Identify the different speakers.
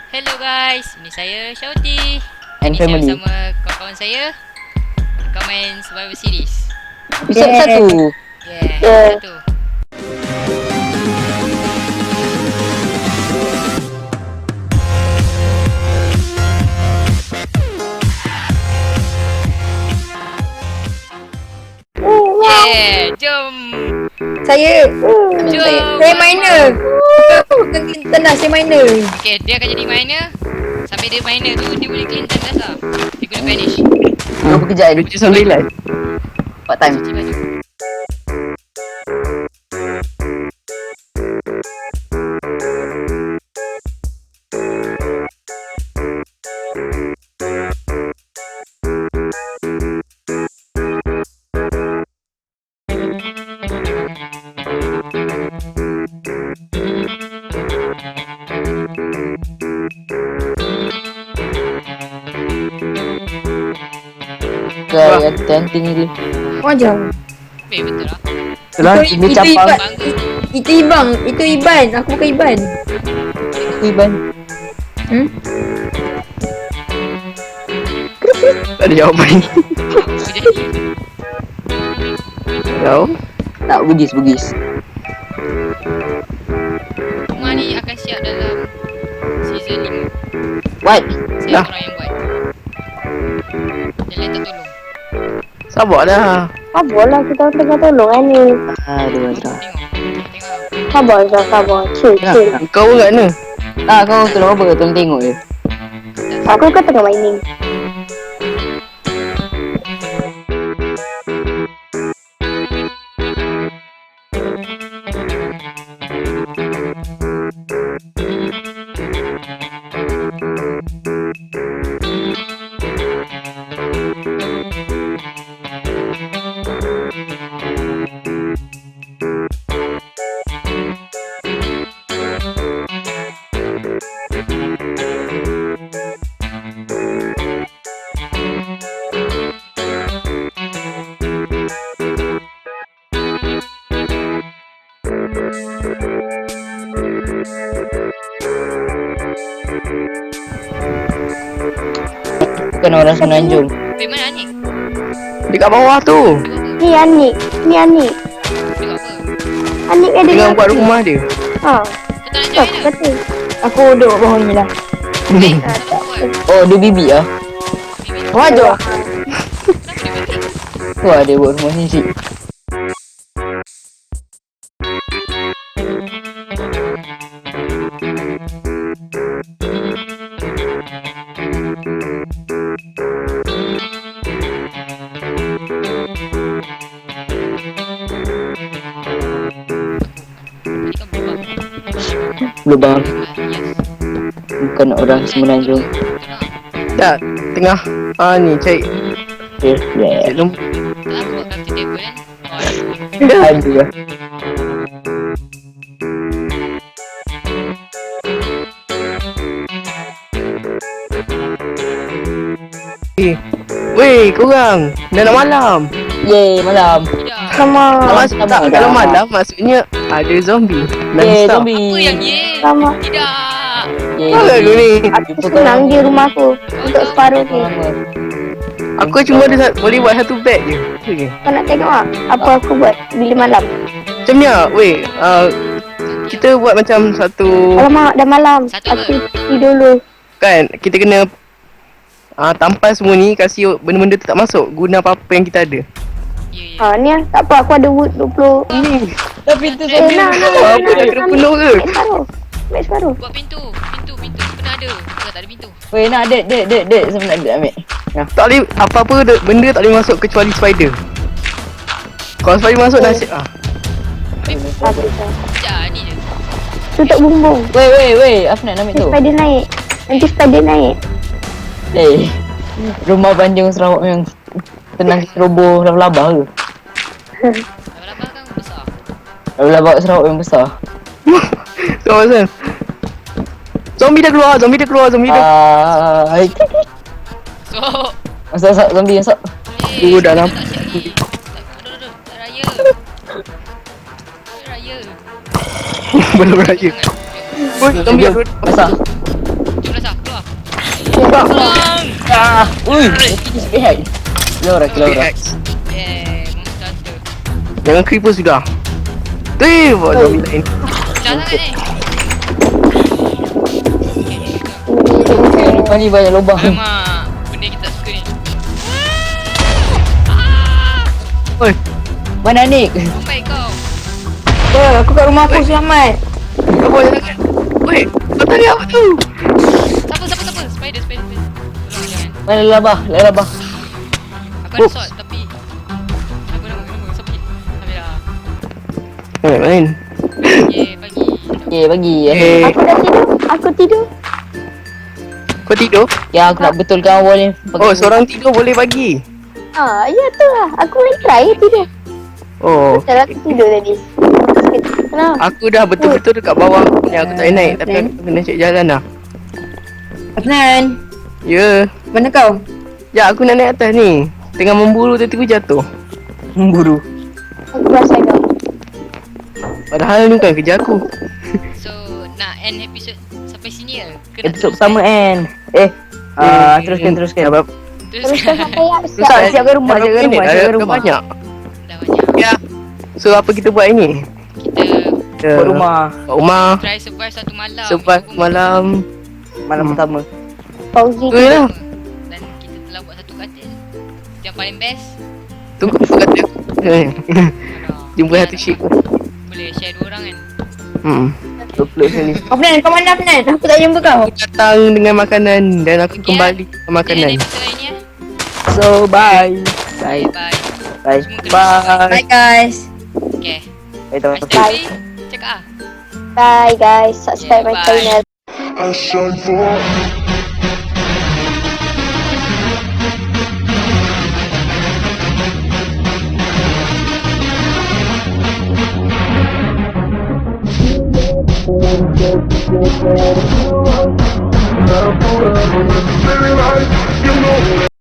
Speaker 1: Hello guys, ini saya Shouty.
Speaker 2: And
Speaker 1: Ini saya
Speaker 2: family.
Speaker 1: bersama kawan-kawan saya. Kau main Survival Series.
Speaker 2: Episod 1.
Speaker 1: Yeah. Satu. Yeah, jom.
Speaker 3: Saya
Speaker 1: Jom.
Speaker 3: Saya miner. Tenang, saya miner.
Speaker 1: Okay, dia akan jadi miner. Sambil dia miner tu, dia boleh clean time dasar. Dia guna vanish.
Speaker 2: 20 kejap 29. Part time.
Speaker 1: Cuci baju.
Speaker 2: Kaya tenting ni.
Speaker 3: Wajar.
Speaker 1: Betul lah.
Speaker 2: Itulah ini capang
Speaker 1: Bangga.
Speaker 3: Itu Ibang, itu Iban. Aku bukan Iban.
Speaker 2: Iban.
Speaker 4: Tak ada jawapan.
Speaker 1: Apa jadi?
Speaker 4: Tahu?
Speaker 2: Tak bugis.
Speaker 1: Rumah ni akan siap dalam season 5.
Speaker 2: What?
Speaker 1: Saya
Speaker 4: Dah.
Speaker 1: orang yang buat. Yang lain tak tolong.
Speaker 4: Sabarlah.
Speaker 5: Sabarlah, kita tengah tolong kan ni.
Speaker 2: Aduh.
Speaker 1: Tengok.
Speaker 5: Sabar. Chill.
Speaker 4: Kau kat mana?
Speaker 2: Ah, kau tolong apa? Tolong tengok je.
Speaker 5: Aku kan tengah mining.
Speaker 2: Bukan orang Semenanjung.
Speaker 1: Weh, mana Anik?
Speaker 4: Dekat bawah tu.
Speaker 1: Dia buat apa?
Speaker 5: Ni Anik.
Speaker 1: Dia buat apa?
Speaker 5: Anik ada
Speaker 4: Tengah buat rumah dia.
Speaker 5: Ha.
Speaker 1: Kau tak nak
Speaker 5: Tak,
Speaker 1: join ke?
Speaker 5: kata.
Speaker 3: Aku duduk bawah ni lah.
Speaker 1: Eh, siapa buat?
Speaker 2: Oh, dia bibi ah.
Speaker 1: Bibi.
Speaker 3: Wajar.
Speaker 1: Kenapa dia balik?
Speaker 2: Wah, dia buat rumah sendiri.
Speaker 1: Tadi kau berubah.
Speaker 2: Lubang.
Speaker 1: Yes.
Speaker 2: Bukan orang Semenanjung.
Speaker 4: Tak, tengah. Ni cari.
Speaker 2: Yeah.
Speaker 4: Cari nombor.
Speaker 1: Tak aku buat crafting table kan? Oh, aduh.
Speaker 2: Aduh.
Speaker 4: Weh, korang. Dah nak malam.
Speaker 2: Yeay, malam.
Speaker 1: Tidak.
Speaker 5: Sama.
Speaker 4: Tak, kalau malam maksudnya ada zombie.
Speaker 2: Yeay,
Speaker 4: Non-stop.
Speaker 2: zombie.
Speaker 1: Apa yang ye?
Speaker 5: Sama.
Speaker 1: Tidak.
Speaker 2: Yeay,
Speaker 4: Apa aku ni?
Speaker 5: Aku senang di rumah aku. Untuk separuh ni.
Speaker 4: Aku cuma ada boleh buat satu bed je. Okay.
Speaker 5: Kau nak tengok tak? Apa aku buat bila malam?
Speaker 4: Macam ni lah, weh. Kita buat macam satu.
Speaker 5: Alamak, dah malam.
Speaker 1: Satu
Speaker 5: Aku
Speaker 1: apa?
Speaker 5: pergi dulu.
Speaker 4: Kan, kita kena tampal semua ni, kasih benda-benda tu tak masuk. Guna apa-apa yang kita ada.
Speaker 1: Ya, ya.
Speaker 5: Ha, ni lah. Tak apa, aku ada wood 20.
Speaker 2: Tapi tu
Speaker 5: Eh, nak.
Speaker 4: Apa dah kena penuh ke?
Speaker 5: Baik separuh.
Speaker 1: Buat pintu. Pintu kena ada. Bukan tak ada pintu.
Speaker 2: Weh, nak dek. Saya nak dek ambil.
Speaker 4: Tak boleh, apa-apa benda tak boleh masuk kecuali spider. Kalau spider masuk nasib
Speaker 5: Aku dah.
Speaker 1: Sekejap ni je.
Speaker 5: Tutup bumbung.
Speaker 2: Weh, apa nak ambil
Speaker 5: Nanti
Speaker 2: tu?
Speaker 5: spider naik. Nanti spider naik.
Speaker 2: Eh, rumah Banjung Sarawak yang tenang roboh laba-laba ke?
Speaker 1: Laba-laba kan besar.
Speaker 2: Laba-laba Sarawak yang besar.
Speaker 4: So, Azan. Zombie dah keluar.
Speaker 1: So,
Speaker 2: Masuk zombie masuk.
Speaker 4: Oh, dah
Speaker 1: tak
Speaker 4: nampak.
Speaker 1: siap ni. Tak raya. Tak raya.
Speaker 4: Belum raya. Oi, zombie dah keluar.
Speaker 2: Besar.
Speaker 1: Jom lah
Speaker 4: lubang.
Speaker 2: Ah, ui, spearhead. Keluar.
Speaker 1: Monster tu.
Speaker 4: Jangan creeper sudah. Tu, buat zombie lain.
Speaker 1: Jangan ni.
Speaker 2: Mana ni banyak lubang.
Speaker 1: Alamak, benda kita tak suka ni.
Speaker 4: Oi,
Speaker 2: Mana Nick?
Speaker 1: Sampai kau.
Speaker 3: Aku kat rumah aku selamat.
Speaker 4: apa jangan. Oi, kau tadi apa tu?
Speaker 1: Siapa? Spider. Tolong jangan.
Speaker 2: Mana labah? Labah.
Speaker 1: Aku ada sword tapi aku nak main sepi. Habis dah.
Speaker 4: Main.
Speaker 1: Ye, pagi.
Speaker 2: Okay, bagi.
Speaker 4: Eh,
Speaker 5: Aku dah tidur. Aku tidur.
Speaker 4: kau tidur?
Speaker 2: Ya, aku nak betulkan awal ni.
Speaker 4: Oh, seorang tidur boleh bagi.
Speaker 5: Ya tu lah. Aku main try tidur.
Speaker 4: Oh,
Speaker 5: Betul aku tidur tadi. Kenapa?
Speaker 4: aku dah betul-betul dekat bawah ni. Aku tak boleh naik tapi aku kena cek jalan dah.
Speaker 3: Adnan,
Speaker 4: Ya.
Speaker 3: mana kau?
Speaker 4: Ya, aku nak naik atas ni. Tengah memburu tiba-tiba jatuh.
Speaker 2: Memburu.
Speaker 5: Aku rasa kau.
Speaker 4: Padahal ni bukan kerja aku.
Speaker 1: So, nak end episode sampai sini ke? Ke nak
Speaker 2: Episod
Speaker 1: teruskan?
Speaker 2: pertama end. Teruskan.
Speaker 4: Sebab
Speaker 5: Teruskan sampai ya.
Speaker 2: Susah, siapkan rumah, siapkan rumah,
Speaker 4: dah
Speaker 2: siapkan rumah.
Speaker 4: banyak.
Speaker 1: Dah banyak.
Speaker 4: Ya. So apa kita buat ini?
Speaker 1: Kita
Speaker 2: Buat rumah.
Speaker 4: Kat rumah.
Speaker 1: try survive satu malam.
Speaker 4: Survive malam.
Speaker 2: Malam pertama.
Speaker 5: Pauzi.
Speaker 4: Tu je lah.
Speaker 1: Dan kita telah buat satu katil. Yang paling best.
Speaker 4: Tunggu aku kata aku.
Speaker 1: Alah.
Speaker 4: Jumpa satu ship.
Speaker 1: Boleh share 2 orang kan.
Speaker 4: Upload sini.
Speaker 3: Afnan, kau mana Afnan? Aku tak jumpa kau.
Speaker 4: Aku datang dengan makanan dan aku
Speaker 1: Okay,
Speaker 4: kembali dengan makanan.
Speaker 1: End episode lain ya.
Speaker 4: So bye.
Speaker 2: Bye.
Speaker 1: Bye.
Speaker 2: Bye.
Speaker 1: Semua kena subscribe.
Speaker 4: Bye.
Speaker 3: Bye guys.
Speaker 1: Okay.
Speaker 2: Bye.
Speaker 1: Mas Devi, cakap ah.
Speaker 5: Bye guys. Subscribe
Speaker 1: Yeah,
Speaker 5: my
Speaker 1: bye.
Speaker 5: channel.
Speaker 6: I shine for
Speaker 5: Thank you.